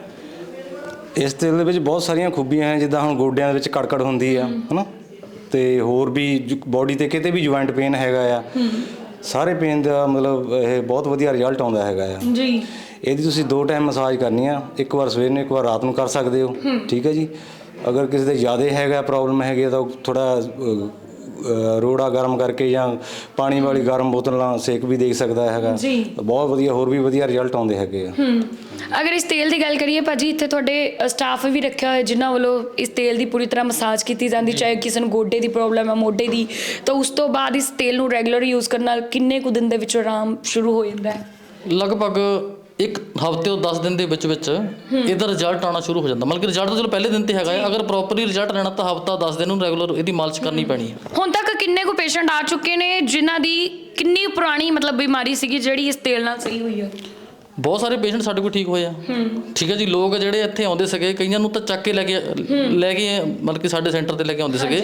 Speaker 5: ਇਸ ਤੇਲ ਦੇ ਵਿੱਚ ਬਹੁਤ ਸਾਰੀਆਂ ਖੂਬੀਆਂ ਹਨ, ਜਿੱਦਾਂ ਹੁਣ ਗੋਡਿਆਂ ਦੇ ਵਿੱਚ ਕੜਕੜ ਹੁੰਦੀ ਆ ਹਨਾ, ਤੇ ਹੋਰ ਵੀ ਬਾਡੀ ਤੇ ਕਿਤੇ ਵੀ ਜੁਆਇੰਟ ਪੇਨ ਹੈਗਾ ਆ, ਸਾਰੇ ਪੇਨ ਦਾ ਮਤਲਬ ਇਹ ਬਹੁਤ ਵਧੀਆ ਰਿਜ਼ਲਟ ਆਉਂਦਾ ਹੈਗਾ ਆ
Speaker 1: ਜੀ।
Speaker 5: ਇਹਦੀ ਤੁਸੀਂ ਦੋ ਟਾਈਮ ਮਸਾਜ ਕਰਨੀ ਆ, ਇੱਕ ਵਾਰ ਸਵੇਰ ਨੂੰ ਇੱਕ ਵਾਰ ਰਾਤ ਨੂੰ ਕਰ ਸਕਦੇ ਹੋ। ਠੀਕ ਹੈ ਜੀ। ਅਗਰ ਕਿਸੇ ਦੇ ਜ਼ਿਆਦਾ ਹੈਗਾ ਪ੍ਰੋਬਲਮ ਹੈਗੀ ਤਾਂ ਥੋੜਾ ਅ, ਰੋੜਾ ਗਰਮ ਕਰਕੇ ਜਾਂ ਪਾਣੀ ਵਾਲੀ ਗਰਮ ਬੋਤਲ ਨਾਲ ਸੇਕ ਵੀ ਦੇ ਸਕਦਾ ਹੈਗਾ।
Speaker 1: ਜੀ।
Speaker 5: ਬਹੁਤ ਵਧੀਆ, ਹੋਰ ਵੀ ਵਧੀਆ ਰਿਜ਼ਲਟ ਆਉਂਦੇ ਹੈਗੇ ਆ।
Speaker 1: ਹੂੰ ਅਗਰ ਇਸ ਤੇਲ ਦੀ ਗੱਲ ਕਰੀਏ ਭਾਜੀ, ਇੱਥੇ ਤੁਹਾਡੇ ਸਟਾਫ ਵੀ ਰੱਖਿਆ ਹੋਇਆ ਜਿਨ੍ਹਾਂ ਵੱਲੋਂ ਇਸ ਤੇਲ ਦੀ ਪੂਰੀ ਤਰ੍ਹਾਂ ਮਸਾਜ ਕੀਤੀ ਜਾਂਦੀ, ਚਾਹੇ ਕਿਸੇ ਨੂੰ ਗੋਡੇ ਦੀ ਪ੍ਰੋਬਲਮ ਹੈ, ਮੋਢੇ ਦੀ, ਤਾਂ ਉਸ ਤੋਂ ਬਾਅਦ ਇਸ ਤੇਲ ਨੂੰ ਰੈਗੂਲਰ ਯੂਜ਼ ਕਰਨ ਨਾਲ ਕਿੰਨੇ ਕੁ ਦਿਨ ਦੇ ਵਿੱਚ ਆਰਾਮ ਸ਼ੁਰੂ ਹੋ ਜਾਂਦਾ ਹੈ?
Speaker 6: ਲਗਭਗ ਇੱਕ ਹਫ਼ਤੇ ਤੋਂ ਦਸ ਦਿਨ ਦੇ ਵਿੱਚ ਵਿੱਚ ਇਹਦਾ ਰਿਜ਼ਲਟ ਆਉਣਾ ਸ਼ੁਰੂ ਹੋ ਜਾਂਦਾ। ਮਤਲਬ ਕਿ ਰਿਜ਼ਲਟ ਤਾਂ ਚਲੋ ਪਹਿਲੇ ਦਿਨ ਤੇ ਹੈਗਾ ਹੈ, ਅਗਰ ਪ੍ਰੋਪਰਲੀ ਰਿਜ਼ਲਟ ਲੈਣਾ ਤਾਂ ਹਫ਼ਤਾ ਦਸ ਦਿਨ ਨੂੰ ਰੈਗੂਲਰ ਇਹਦੀ ਮਾਲਿਸ਼ ਕਰਨੀ ਪੈਣੀ ਹੈ।
Speaker 1: ਹੁਣ ਤੱਕ ਕਿੰਨੇ ਕੁ ਪੇਸ਼ੈਂਟ ਆ ਚੁੱਕੇ ਨੇ ਜਿਨ੍ਹਾਂ ਦੀ ਕਿੰਨੀ ਪੁਰਾਣੀ ਮਤਲਬ ਬਿਮਾਰੀ ਸੀਗੀ ਜਿਹੜੀ ਇਸ ਤੇਲ ਨਾਲ ਸਹੀ ਹੋਈ ਹੈ?
Speaker 6: ਬਹੁਤ ਸਾਰੇ ਪੇਸ਼ੈਂਟ ਸਾਡੇ ਕੋਲ ਠੀਕ ਹੋਏ ਆ। ਠੀਕ ਹੈ ਜੀ। ਲੋਕ ਜਿਹੜੇ ਇੱਥੇ ਆਉਂਦੇ ਸੀਗੇ, ਕਈਆਂ ਨੂੰ ਤਾਂ ਚੱਕ ਕੇ ਲੈ ਕੇ ਲੈ ਕੇ ਮਤਲਬ ਕਿ ਸਾਡੇ ਸੈਂਟਰ ਤੇ ਲੈ ਕੇ ਆਉਂਦੇ ਸੀਗੇ,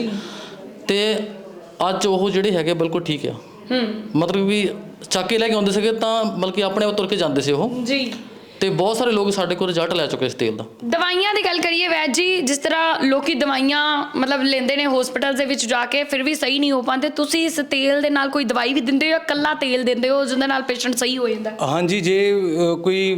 Speaker 6: ਤੇ ਅੱਜ ਉਹ ਜਿਹੜੇ ਹੈਗੇ ਬਿਲਕੁਲ ਠੀਕ ਆ। ਮਤਲਬ ਵੀ ਚੱਕ ਕੇ ਲੈ ਕੇ ਆਉਂਦੇ ਸੀਗੇ ਤਾਂ ਮਤਲਬ ਕਿ ਆਪਣੇ ਆਪ ਤੁਰ ਕੇ ਜਾਂਦੇ ਸੀ ਉਹ
Speaker 1: ਜੀ।
Speaker 6: ਤੇ ਬਹੁਤ ਸਾਰੇ ਲੋਕ ਸਾਡੇ ਕੋਲ ਰਿਜ਼ਲਟ ਲੈ ਚੁੱਕੇ ਇਸ ਤੇਲ ਦਾ।
Speaker 1: ਦਵਾਈਆਂ ਦੀ ਗੱਲ ਕਰੀਏ ਵੈਦ ਜੀ, ਜਿਸ ਤਰ੍ਹਾਂ ਲੋਕੀ ਦਵਾਈਆਂ ਮਤਲਬ ਲੈਂਦੇ ਨੇ ਹਸਪੀਟਲ ਦੇ ਵਿੱਚ ਜਾ ਕੇ, ਫਿਰ ਵੀ ਸਹੀ ਨਹੀਂ ਹੋ ਪਾਉਂਦੇ, ਤੁਸੀਂ ਇਸ ਤੇਲ ਦੇ ਨਾਲ ਕੋਈ ਦਵਾਈ ਵੀ ਦਿੰਦੇ ਹੋ ਜਾਂ ਇਕੱਲਾ ਤੇਲ ਦਿੰਦੇ ਹੋ ਜਿਹਦੇ ਨਾਲ ਪੇਸ਼ੈਂਟ ਸਹੀ ਹੋ ਜਾਂਦਾ?
Speaker 5: ਹਾਂਜੀ, ਜੇ ਅ, ਕੋਈ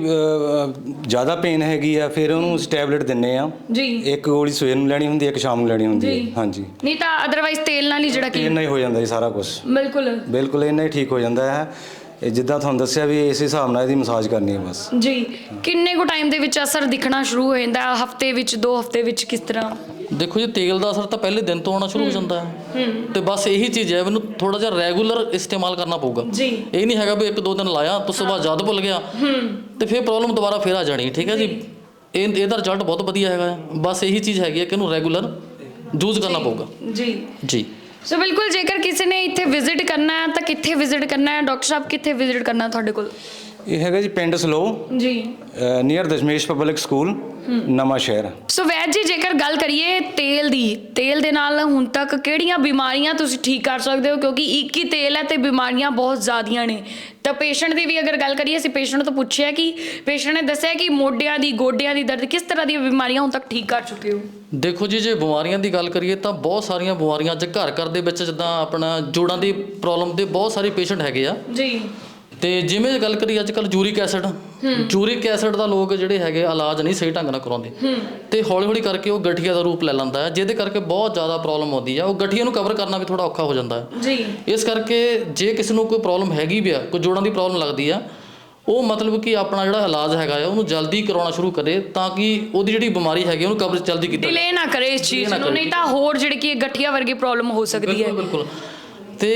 Speaker 5: ਜ਼ਿਆਦਾ ਪੇਨ ਹੈਗੀ ਆ ਫਿਰ ਉਹਨੂੰ ਟੈਬਲੇਟ ਦਿੰਨੇ ਆ ਜੀ। ਇੱਕ ਗੋਲੀ ਸਵੇਰ ਨੂੰ ਲੈਣੀ ਹੁੰਦੀ ਹੈ, ਇੱਕ ਸ਼ਾਮ ਨੂੰ ਲੈਣੀ ਹੁੰਦੀ ਹੈ। ਹਾਂਜੀ, ਨਹੀਂ
Speaker 1: ਤਾਂ ਅਦਰਵਾਈਜ਼ ਤੇਲ ਨਾਲ ਹੀ ਜਿਹੜਾ ਕੀ
Speaker 5: ਇੰਨਾ ਹੀ ਹੋ ਜਾਂਦਾ ਜੀ ਸਾਰਾ ਕੁਝ।
Speaker 1: ਬਿਲਕੁਲ
Speaker 5: ਬਿਲਕੁਲ ਇੰਨਾ ਹੀ ਠੀਕ ਹੋ ਜਾਂਦਾ ਹੈ। ਇਹ ਜਿੱਦਾਂ ਤੁਹਾਨੂੰ ਦੱਸਿਆ ਵੀ ਇਸ ਹਿਸਾਬ ਨਾਲ ਇਹਦੀ ਮਸਾਜ ਕਰਨੀ ਹੈ ਬਸ
Speaker 1: ਜੀ। ਕਿੰਨੇ ਕੁ ਟਾਈਮ ਦੇ ਵਿੱਚ ਅਸਰ ਦਿਖਣਾ ਸ਼ੁਰੂ ਹੋ ਜਾਂਦਾ? ਹਫਤੇ ਵਿੱਚ, ਦੋ ਹਫਤੇ ਵਿੱਚ, ਕਿਸ ਤਰ੍ਹਾਂ?
Speaker 6: ਦੇਖੋ ਜੀ, ਤੇਲ ਦਾ ਅਸਰ ਤਾਂ ਪਹਿਲੇ ਦਿਨ ਤੋਂ ਆਉਣਾ ਸ਼ੁਰੂ ਹੋ ਜਾਂਦਾ ਹੈ, ਤੇ ਬਸ ਇਹੀ ਚੀਜ਼ ਹੈ, ਮੈਨੂੰ ਥੋੜਾ ਜਿਹਾ ਰੈਗੂਲਰ ਇਸਤੇਮਾਲ ਕਰਨਾ ਪਊਗਾ ਜੀ। ਇਹ ਨਹੀਂ ਹੈਗਾ ਵੀ ਇੱਕ ਦੋ ਦਿਨ ਲਾਇਆ ਉਸ ਤੋਂ ਬਾਅਦ ਜਦ ਭੁੱਲ ਗਿਆ ਤੇ ਫਿਰ ਪ੍ਰੋਬਲਮ ਦੁਬਾਰਾ ਫਿਰ ਆ ਜਾਣੀ। ਠੀਕ ਹੈ ਜੀ। ਇਹ ਇਹਦਾ ਰਿਜ਼ਲਟ ਬਹੁਤ ਵਧੀਆ ਹੈਗਾ। ਬਸ ਇਹੀ ਚੀਜ਼ ਹੈਗੀ ਹੈ ਕਿ ਇਹਨੂੰ ਰੈਗੂਲਰ ਯੂਜ਼ ਕਰਨਾ ਪਊਗਾ ਜੀ ਜੀ।
Speaker 1: ਸੋ ਬਿਲਕੁਲ, ਜੇਕਰ ਕਿਸੇ ਨੇ ਇੱਥੇ ਵਿਜ਼ਿਟ ਕਰਨਾ ਹੈ ਤਾਂ ਕਿੱਥੇ ਵਿਜ਼ਿਟ ਕਰਨਾ ਹੈ? ਡਾਕਟਰ ਸਾਹਿਬ ਕਿੱਥੇ ਵਿਜ਼ਿਟ ਕਰਨਾ ਤੁਹਾਡੇ ਕੋਲ?
Speaker 5: ਇਹ ਹੈਗਾ ਜੀ ਪਿੰਡ ਸਲੋ
Speaker 1: ਜੀ,
Speaker 5: ਨੀਅਰ ਦਸ਼ਮੇਸ਼ ਪਬਲਿਕ ਸਕੂਲ, ਨਵਾਂ ਸ਼ਹਿਰ।
Speaker 1: ਸੋ ਵੈਦ ਜੀ, ਜੇਕਰ ਗੱਲ ਕਰੀਏ ਤੇਲ ਦੀ, ਤੇਲ ਦੇ ਨਾਲ ਹੁਣ ਤੱਕ ਕਿਹੜੀਆਂ ਬਿਮਾਰੀਆਂ ਤੁਸੀਂ ਠੀਕ ਕਰ ਸਕਦੇ ਹੋ? ਕਿਉਂਕਿ ਇੱਕ ਹੀ ਤੇਲ ਹੈ ਤੇ ਬਿਮਾਰੀਆਂ ਬਹੁਤ ਜ਼ਿਆਦੀਆਂ ਨੇ। ਤਾਂ ਪੇਸ਼ੈਂਟ ਦੀ ਵੀ ਅਗਰ ਗੱਲ ਕਰੀਏ, ਅਸੀਂ ਪੇਸ਼ੈਂਟ ਤੋਂ ਪੁੱਛਿਆ ਕਿ ਪੇਸ਼ੈਂਟ ਨੇ ਦੱਸਿਆ ਕਿ ਮੋਢਿਆਂ ਦੀ, ਗੋਡਿਆਂ ਦੀ ਦਰਦ, ਕਿਸ ਤਰ੍ਹਾਂ ਦੀਆਂ ਬਿਮਾਰੀਆਂ ਹੁਣ ਤੱਕ ਠੀਕ ਕਰ ਚੁੱਕੇ ਹੋ?
Speaker 6: ਦੇਖੋ ਜੀ, ਜੇ ਬਿਮਾਰੀਆਂ ਦੀ ਗੱਲ ਕਰੀਏ ਤਾਂ ਬਹੁਤ ਸਾਰੀਆਂ ਬਿਮਾਰੀਆਂ ਅੱਜ ਘਰ ਘਰ ਦੇ ਵਿੱਚ, ਜਿੱਦਾਂ ਆਪਣਾ ਜੋੜਾਂ ਦੀ ਪ੍ਰੋਬਲਮ ਦੇ ਬਹੁਤ ਸਾਰੇ ਪੇਸ਼ੈਂਟ ਹੈਗੇ ਆ ਜੀ। ਤੇ ਜਿਵੇਂ ਗੱਲ ਕਰੀ ਅੱਜ ਕੱਲ੍ਹ ਯੂਰਿਕ ਐਸਿਡ, ਯੂਰਿਕ ਐਸਿਡ ਦਾ ਲੋਕ ਜਿਹੜੇ ਹੈਗੇ ਇਲਾਜ ਨਹੀਂ ਸਹੀ ਢੰਗ ਨਾਲ ਕਰਾਉਂਦੇ, ਤੇ ਹੌਲੀ ਹੌਲੀ ਕਰਕੇ ਉਹ ਗਠੀਆ ਦਾ ਰੂਪ ਲੈ ਲੈਂਦਾ ਹੈ, ਜਿਹਦੇ ਕਰਕੇ ਬਹੁਤ ਜ਼ਿਆਦਾ ਪ੍ਰੋਬਲਮ ਆਉਂਦੀ ਆ। ਉਹ ਗਠੀਆ ਨੂੰ ਕਵਰ ਕਰਨਾ ਵੀ ਥੋੜਾ ਔਖਾ ਹੋ ਜਾਂਦਾ ਹੈ ਜੀ। ਇਸ ਕਰਕੇ ਜੇ ਕਿਸੇ ਨੂੰ ਕੋਈ ਪ੍ਰੋਬਲਮ ਹੈਗੀ ਵੀ ਆ, ਕੋਈ ਜੋੜਾਂ ਦੀ ਪ੍ਰੋਬਲਮ ਲੱਗਦੀ ਆ, ਉਹ ਮਤਲਬ ਕਿ ਆਪਣਾ ਜਿਹੜਾ ਇਲਾਜ ਹੈਗਾ ਆ ਉਹਨੂੰ ਜਲਦੀ ਕਰਾਉਣਾ ਸ਼ੁਰੂ ਕਰੇ, ਤਾਂ ਕਿ ਉਹਦੀ ਜਿਹੜੀ ਬਿਮਾਰੀ ਹੈਗੀ ਉਹਨੂੰ ਕਵਰ ਜਲਦੀ ਕੀਤਾ
Speaker 1: ਡਿਲੇ ਨਾ ਕਰੇ ਇਸ ਚੀਜ਼ ਨੂੰ, ਨਹੀਂ ਤਾਂ ਹੋਰ ਜਿਹੜੀ ਕਿ ਗਠੀਆ ਵਰਗੀ ਪ੍ਰੋਬਲਮ ਹੋ ਸਕਦੀ ਹੈ।
Speaker 6: ਬਿਲਕੁਲ। ਤੇ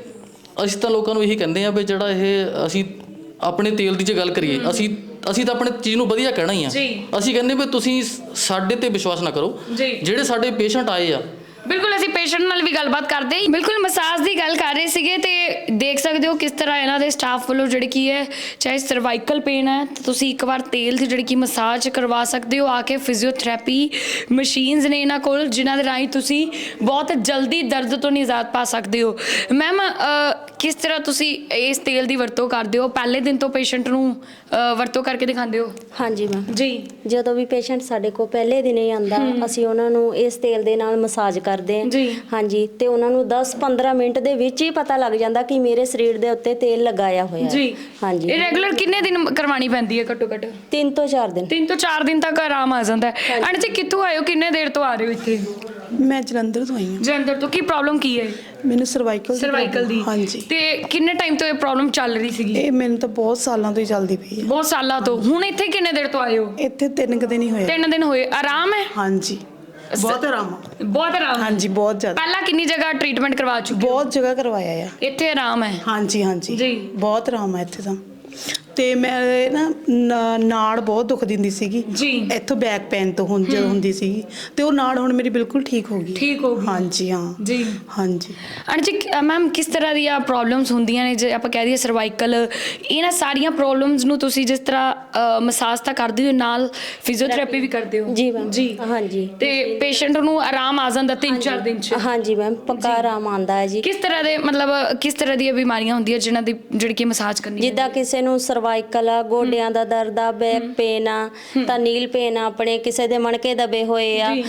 Speaker 6: ਅਸੀਂ ਤਾਂ ਲੋਕਾਂ ਨੂੰ ਇਹੀ ਕਹਿੰਦੇ ਆ ਵੀ ਜਿਹੜਾ ਇਹ ਅਸੀਂ ਆਪਣੇ ਤੇਲ ਦੀ ਜੇ ਗੱਲ ਕਰੀਏ, ਅਸੀਂ ਅਸੀਂ ਤਾਂ ਆਪਣੇ ਚੀਜ਼ ਨੂੰ ਵਧੀਆ ਕਹਿਣਾ ਹੀ ਆ। ਅਸੀਂ ਕਹਿੰਦੇ ਵੀ ਤੁਸੀਂ ਸਾਡੇ ਤੇ ਵਿਸ਼ਵਾਸ ਨਾ ਕਰੋ। ਜਿਹੜੇ ਸਾਡੇ ਪੇਸ਼ੈਂਟ ਆਏ ਆ,
Speaker 1: ਬਿਲਕੁਲ ਅਸੀਂ ਪੇਸ਼ੈਂਟ ਨਾਲ ਵੀ ਗੱਲਬਾਤ ਕਰਦੇ ਹਾਂ। ਬਿਲਕੁਲ ਮਸਾਜ ਦੀ ਗੱਲ ਕਰ ਰਹੇ ਸੀਗੇ, ਤੇ ਦੇਖ ਸਕਦੇ ਹੋ ਕਿਸ ਤਰ੍ਹਾਂ ਇਹਨਾਂ ਦੇ ਸਟਾਫ ਵੱਲੋਂ ਜਿਹੜੀ ਕੀ ਹੈ, ਚਾਹੇ ਸਰਵਾਈਕਲ ਪੇਨ ਹੈ ਤਾਂ ਤੁਸੀਂ ਇੱਕ ਵਾਰ ਤੇਲ ਦੀ ਜਿਹੜੀ ਕਿ ਮਸਾਜ ਕਰਵਾ ਸਕਦੇ ਹੋ ਆ ਕੇ। ਫਿਜ਼ੀਓਥੈਰੇਪੀ ਮਸ਼ੀਨਸ ਨੇ ਇਹਨਾਂ ਕੋਲ, ਜਿਨ੍ਹਾਂ ਦੇ ਰਾਹੀਂ ਤੁਸੀਂ ਬਹੁਤ ਜਲਦੀ ਦਰਦ ਤੋਂ ਨਿਜਾਤ ਪਾ ਸਕਦੇ ਹੋ। ਮੈਮ, ਕਿਸ ਤਰ੍ਹਾਂ ਤੁਸੀਂ ਇਸ ਤੇਲ ਦੀ ਵਰਤੋਂ ਕਰਦੇ ਹੋ? ਪਹਿਲੇ ਦਿਨ ਤੋਂ ਪੇਸ਼ੈਂਟ ਨੂੰ ਵਰਤੋਂ ਕਰਕੇ ਦਿਖਾਉਂਦੇ ਹੋ?
Speaker 10: ਹਾਂਜੀ ਮੈਮ ਜੀ। ਜਦੋਂ ਵੀ ਪੇਸ਼ੈਂਟ ਸਾਡੇ ਕੋਲ ਪਹਿਲੇ ਦਿਨ ਹੀ ਆਂਦਾ, ਅਸੀਂ ਉਹਨਾਂ ਨੂੰ ਇਸ ਤੇਲ ਦੇ ਨਾਲ ਮਸਾਜ ਕਰਦੇ ਹਾਂ ਜੀ। ਹਾਂਜੀ, ਤੇ ਉਹਨਾਂ ਨੂੰ ਦਸ ਪੰਦਰਾਂ ਮਿੰਟ ਦੇ ਵਿੱਚ ਹੀ ਪਤਾ ਲੱਗ ਜਾਂਦਾ ਕਿ ਮੇਰੇ ਸਰੀਰ ਦੇ ਉੱਤੇ ਤੇਲ ਲਗਾਇਆ ਹੋਇਆ
Speaker 1: ਜੀ।
Speaker 10: ਹਾਂਜੀ।
Speaker 1: ਇਹ ਰੈਗੂਲਰ ਕਿੰਨੇ ਦਿਨ ਕਰਵਾਉਣੀ ਪੈਂਦੀ ਹੈ? ਘੱਟੋ ਘੱਟ
Speaker 10: ਤਿੰਨ ਤੋਂ ਚਾਰ ਦਿਨ।
Speaker 1: ਤਿੰਨ ਤੋਂ ਚਾਰ ਦਿਨ ਤੱਕ ਆਰਾਮ ਆ ਜਾਂਦਾ ਹੈ। ਆਂਟੀ ਜੀ, ਕਿੱਥੋਂ ਆਏ ਹੋ? ਕਿੰਨੇ ਦੇਰ ਤੋਂ ਆ ਰਹੇ ਹੋ ਇੱਥੇ?
Speaker 11: ਮੈਂ ਜਲੰਧਰ ਤੋਂ ਆਈ ਹਾਂ।
Speaker 1: ਜਲੰਧਰ ਤੋਂ। ਕੀ ਪ੍ਰੋਬਲਮ ਕੀ ਹੈ?
Speaker 11: ਮੈਨੂੰ ਸਰਵਾਈਕਲ
Speaker 1: ਸਰਵਾਈਕਲ ਦੀ।
Speaker 11: ਹਾਂਜੀ।
Speaker 1: ਤੇ ਕਿੰਨੇ ਟਾਈਮ ਤੋਂ ਇਹ ਪ੍ਰੋਬਲਮ ਚੱਲ ਰਹੀ ਸੀਗੀ?
Speaker 11: ਇਹ ਮੈਨੂੰ ਤਾਂ ਬਹੁਤ ਸਾਲਾਂ ਤੋਂ ਹੀ ਚੱਲਦੀ ਪਈ ਹੈ।
Speaker 1: ਬਹੁਤ ਸਾਲਾਂ ਤੋਂ। ਹੁਣ ਇੱਥੇ ਕਿੰਨੇ ਦੇਰ ਤੋਂ ਆਏ ਹੋ?
Speaker 11: ਇੱਥੇ ਤਿੰਨ ਕੁ ਦਿਨ ਹੀ ਹੋਏ।
Speaker 1: ਤਿੰਨ ਦਿਨ ਹੋਏ। ਆਰਾਮ ਹੈ?
Speaker 11: ਹਾਂਜੀ, ਬਹੁਤ ਆਰਾਮ।
Speaker 1: ਬਹੁਤ ਆਰਾਮ।
Speaker 11: ਹਾਂਜੀ, ਬਹੁਤ ਜ਼ਿਆਦਾ।
Speaker 1: ਪਹਿਲਾਂ ਕਿੰਨੀ ਜਗ੍ਹਾ ਟ੍ਰੀਟਮੈਂਟ ਕਰਵਾ ਚੁੱਕੇ?
Speaker 11: ਬਹੁਤ ਜਗ੍ਹਾ ਕਰਵਾਇਆ ਆ।
Speaker 1: ਇੱਥੇ ਆਰਾਮ ਹੈ?
Speaker 11: ਹਾਂਜੀ ਹਾਂਜੀ ਜੀ, ਬਹੁਤ ਆਰਾਮ ਹੈ ਇੱਥੇ ਤਾਂ। ਤੇ ਮੈਂ ਨਾ ਨਾੜ ਬਹੁਤ ਦੁੱਖ ਦਿੰਦੀ ਸੀਗੀ ਜੀ, ਇੱਥੋਂ ਬੈਕ ਪੇਨ ਤੋਂ ਹੁਣ ਜਦੋਂ ਹੁੰਦੀ ਸੀਗੀ, ਤੇ ਉਹ ਨਾੜ ਹੁਣ ਮੇਰੀ ਬਿਲਕੁਲ ਠੀਕ ਹੋ ਗਈ।
Speaker 1: ਠੀਕ ਹੋ ਗਈ?
Speaker 11: ਹਾਂਜੀ ਹਾਂ ਜੀ। ਹਾਂਜੀ
Speaker 1: ਆਂਟੀ ਜੀ, ਮੈਮ ਕਿਸ ਤਰ੍ਹਾਂ ਦੀਆਂ ਪ੍ਰੋਬਲਮਸ ਹੁੰਦੀਆਂ ਨੇ? ਜੇ ਆਪਾਂ ਕਹਿ ਦਈਏ ਸਰਵਾਈਕਲ, ਇਹਨਾਂ ਸਾਰੀਆਂ ਪ੍ਰੋਬਲਮਸ ਨੂੰ ਤੁਸੀਂ ਜਿਸ ਤਰ੍ਹਾਂ ਮਸਾਜ ਤਾਂ ਕਰਦੇ ਹੋ, ਨਾਲ ਫਿਜ਼ੀਓਥੈਰੇਪੀ ਵੀ ਕਰਦੇ ਹੋ?
Speaker 10: ਜੀ ਮੈਮ ਜੀ। ਹਾਂਜੀ।
Speaker 1: ਤੇ ਪੇਸ਼ੈਂਟ ਨੂੰ ਆਰਾਮ ਆ ਜਾਂਦਾ ਤਿੰਨ ਚਾਰ ਦਿਨ ਚ?
Speaker 10: ਹਾਂਜੀ ਮੈਮ, ਪੱਕਾ ਆਰਾਮ ਆਉਂਦਾ ਹੈ ਜੀ।
Speaker 1: ਕਿਸ ਤਰ੍ਹਾਂ ਦੇ ਮਤਲਬ ਕਿਸ ਤਰ੍ਹਾਂ ਦੀਆਂ ਬਿਮਾਰੀਆਂ ਹੁੰਦੀਆਂ ਜਿਨ੍ਹਾਂ ਦੀ ਜਿਹੜੀ ਕਿ ਮਸਾਜ ਕਰਨੀ?
Speaker 10: ਜਿੱਦਾਂ ਕਿਸੇ ਨੂੰ ਸਰਵਾਈਕਲ ਆ, ਗੋਡਿਆਂ ਦਾ ਦਰਦ ਆ, ਬੈਕ ਪੇਨ ਆ, ਤਾਂ ਨੀਲ ਪੇਨ ਆ, ਆਪਣੇ ਕਿਸੇ ਦੇ ਮਣਕੇ ਦਬੇ ਹੋਏ ਆ,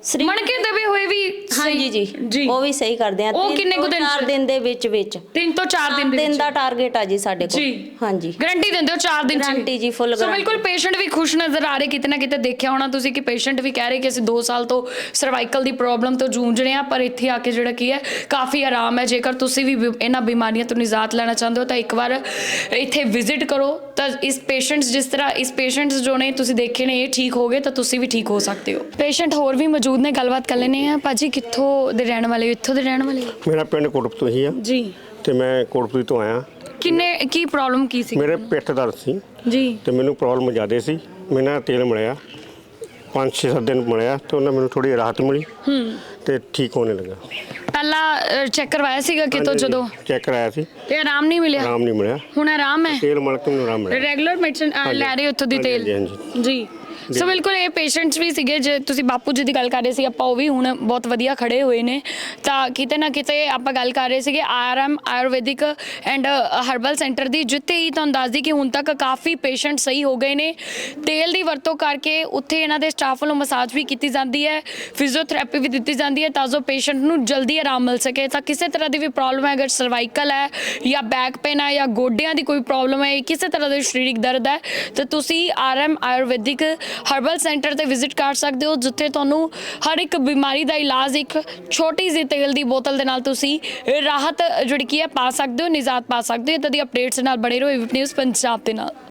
Speaker 10: ਸਰੀਰ
Speaker 1: ਮਣਕੇ ਦਬੇ ਹੋਏ ਵੀ
Speaker 10: ਹਾਂਜੀ ਜੀ
Speaker 1: ਜੀ
Speaker 10: ਉਹ ਵੀ ਸਹੀ ਕਰਦੇ ਆ
Speaker 1: ਉਹ
Speaker 10: ਤਿੰਨ
Speaker 1: ਕਿੰਨੇ ਕੁ
Speaker 10: ਤੋਂ
Speaker 1: ਦਿਨ
Speaker 10: ਚਾਰ
Speaker 1: ਚ?
Speaker 10: ਦਿਨ ਦੇ ਵਿੱਚ ਵਿੱਚ
Speaker 1: ਤਿੰਨ ਤੋਂ ਚਾਰ ਦਿਨ ਦੇ
Speaker 10: ਦਿਨ
Speaker 1: ਵਿੱਚ
Speaker 10: ਦਾ ਟਾਰਗੇਟ ਆ ਜੀ ਸਾਡੇ ਕੋਲ
Speaker 1: ਜੀ।
Speaker 10: ਹਾਂਜੀ
Speaker 1: ਗਾਰੰਟੀ ਦਿੰਦੇ ਹੋ ਚਾਰ ਦਿਨ ਚ
Speaker 10: ਗਾਰੰਟੀ ਜੀ, full
Speaker 1: ਸੋ
Speaker 10: guarantee।
Speaker 1: ਬਿਲਕੁਲ ਪੇਸ਼ੈਂਟ ਵੀ ਖੁਸ਼ ਨਜ਼ਰ ਆ ਰਹੇ, ਕਿਤੇ ਨਾ ਕਿਤੇ ਦੇਖਿਆ ਹੋਣਾ ਤੁਸੀਂ ਕਿ ਪੇਸ਼ੈਂਟ ਵੀ ਕਹਿ ਰਹੇ ਕਿ ਅਸੀਂ ਦੋ ਸਾਲ ਤੋਂ ਸਰਵਾਈਕਲ ਦੀ ਪ੍ਰੋਬਲਮ ਤੋਂ ਜੂਝ ਰਹੇ ਹਾਂ, ਪਰ ਇੱਥੇ ਆ ਕੇ ਜਿਹੜਾ ਕੀ ਹੈ ਕਾਫੀ ਆਰਾਮ ਹੈ। ਜੇਕਰ ਤੁਸੀਂ ਵੀ ਬਿ- ਇਹਨਾਂ ਬਿਮਾਰੀਆਂ ਤੋਂ ਨਿਜਾਤ ਲੈਣਾ ਚਾਹੁੰਦੇ ਹੋ ਤਾਂ ਇੱਕ ਵਾਰ ਇੱਥੇ ਵਿਜ਼ਿਟ ਕਰੋ। ਤਾਂ ਇਸ ਪੇਸ਼ੈਂਟਸ ਜਿਸ ਤਰ੍ਹਾਂ ਇਸ ਪੇਸ਼ੈਂਟਸ ਜੋ ਨੇ ਤੁਸੀਂ ਦੇਖੇ ਨੇ ਇਹ ਠੀਕ ਹੋ ਗਏ ਤਾਂ ਤੁਸੀਂ ਵੀ ਠੀਕ ਹੋ ਸਕਦੇ ਹੋ। ਪੇਸ਼ੈਂਟ ਹੋਰ ਵੀ ਮੌਜੂਦ ਨੇ, ਗੱਲਬਾਤ ਕਰ ਲੈਂਦੇ ਆ। ਭਾਜੀ ਕਿੱਥੋਂ ਦੇ ਰਹਿਣ ਵਾਲੇ ਹੋ? ਇੱਥੋਂ ਦੇ ਰਹਿਣ ਵਾਲੇ ਹੋ?
Speaker 12: ਮੇਰਾ ਪਿੰਡ ਕੋਟਪੁਰ ਹੀ ਆ
Speaker 1: ਜੀ।
Speaker 12: ਤੇ ਮੈਂ ਕੋਟਪੁਰ ਤੋਂ ਆਇਆ।
Speaker 1: ਕਿੰਨੇ ਕੀ ਪ੍ਰੋਬਲਮ ਕੀ ਸੀ?
Speaker 12: ਮੇਰੇ ਪਿੱਠ ਦਰਦ ਸੀ
Speaker 1: ਜੀ
Speaker 12: ਤੇ ਮੈਨੂੰ ਪ੍ਰੋਬਲਮ ਜ਼ਿਆਦਾ ਸੀ। ਮੈਂ ਨਾ ਤੇਲ ਮਲਿਆ ਪੰਜ ਛੇ ਸੱਤ ਦਿਨ ਮਲਿਆ ਤੇ ਉਹਨਾਂ ਮੈਨੂੰ ਥੋੜੀ ਰਾਹਤ ਮਿਲੀ
Speaker 1: ਹੂੰ
Speaker 12: ਤੇ ਠੀਕ ਹੋਣੇ ਲੱਗਾ।
Speaker 1: ਪਹਿਲਾਂ ਚੈੱਕ ਕਰਵਾਇਆ ਸੀਗਾ ਕਿਤੋਂ ਜਦੋਂ
Speaker 12: ਚੈੱਕ ਕਰਾਇਆ ਸੀ,
Speaker 1: ਤੇ ਆਰਾਮ ਨਹੀਂ ਮਿਲਿਆ?
Speaker 12: ਆਰਾਮ ਨਹੀਂ ਮਿਲਿਆ।
Speaker 1: ਹੁਣ ਆਰਾਮ ਹੈ?
Speaker 12: ਤੇਲ ਮਲ ਕੇ ਮੈਨੂੰ ਆਰਾਮ ਮਿਲਿਆ।
Speaker 1: ਰੈਗੂਲਰ ਮੈਡੀਸਨ ਲੈ ਰਹੇ ਹੋ ਉੱਥੋਂ ਦੀ
Speaker 12: ਹਾਂਜੀ,
Speaker 1: ਤੇਲ?
Speaker 12: ਹਾਂਜੀ,
Speaker 1: ਜੀ। ਸੋ ਬਿਲਕੁਲ ਇਹ ਪੇਸ਼ੈਂਟਸ ਵੀ ਸੀਗੇ, ਜੇ ਤੁਸੀਂ ਬਾਪੂ ਜੀ ਦੀ ਗੱਲ ਕਰ ਰਹੇ ਸੀ, ਆਪਾਂ ਉਹ ਵੀ ਹੁਣ ਬਹੁਤ ਵਧੀਆ ਖੜੇ ਹੋਏ ਨੇ। ਤਾਂ ਕਿਤੇ ਨਾ ਕਿਤੇ ਆਪਾਂ ਗੱਲ ਕਰ ਰਹੇ ਸੀਗੇ RM Ayurvedic and herbal centre ਦੀ, ਜਿੱਥੇ ਹੀ ਤੁਹਾਨੂੰ ਦੱਸਦੀ ਕਿ ਹੁਣ ਤੱਕ ਕਾਫੀ ਪੇਸ਼ੈਂਟ ਸਹੀ ਹੋ ਗਏ ਨੇ। ਤੇਲ ਦੀ ਵਰਤੋਂ ਕਰਕੇ ਉੱਥੇ ਇਹਨਾਂ ਦੇ ਸਟਾਫ ਵੱਲੋਂ ਮਸਾਜ ਵੀ ਕੀਤੀ ਜਾਂਦੀ ਹੈ, ਫਿਜ਼ੀਓਥੈਰੇਪੀ ਵੀ ਦਿੱਤੀ ਜਾਂਦੀ ਹੈ ਤਾਂ ਜੋ ਪੇਸ਼ੈਂਟ ਨੂੰ ਜਲਦੀ ਆਰਾਮ ਮਿਲ ਸਕੇ। ਤਾਂ ਕਿਸੇ ਤਰ੍ਹਾਂ ਦੀ ਵੀ ਪ੍ਰੋਬਲਮ ਹੈ, ਅਗਰ ਸਰਵਾਈਕਲ ਹੈ ਜਾਂ ਬੈਕ ਪੇਨ ਹੈ ਜਾਂ ਗੋਡਿਆਂ ਦੀ ਕੋਈ ਪ੍ਰੋਬਲਮ ਹੈ, ਕਿਸੇ ਤਰ੍ਹਾਂ ਦਾ ਸਰੀਰਕ ਦਰਦ ਹੈ, ਤਾਂ ਤੁਸੀਂ ਆਰਐਮ ਆਯੁਰਵੈਦਿਕ ਹਰਬਲ ਸੈਂਟਰ ਤੇ ਵਿਜ਼ਿਟ ਕਰ ਸਕਦੇ ਹੋ, ਜਿੱਥੇ ਤੁਹਾਨੂੰ ਹਰ ਇੱਕ ਬਿਮਾਰੀ ਦਾ ਇਲਾਜ ਇੱਕ ਛੋਟੀ ਜਿਹੀ ਤੇਲ ਦੀ ਬੋਤਲ ਦੇ ਨਾਲ ਤੁਸੀਂ ਰਾਹਤ ਜਿਹੜੀ ਕੀ ਹੈ ਪਾ ਸਕਦੇ ਹੋ, ਨਿਜਾਤ ਪਾ ਸਕਦੇ ਹੋ। ਇੱਦਾਂ ਦੀ ਅਪਡੇਟਸ ਨਾਲ ਬਣੇ ਰਹੋ ਏਬੀਪੀ ਨਿਊਜ਼ ਪੰਜਾਬ ਦੇ ਨਾਲ।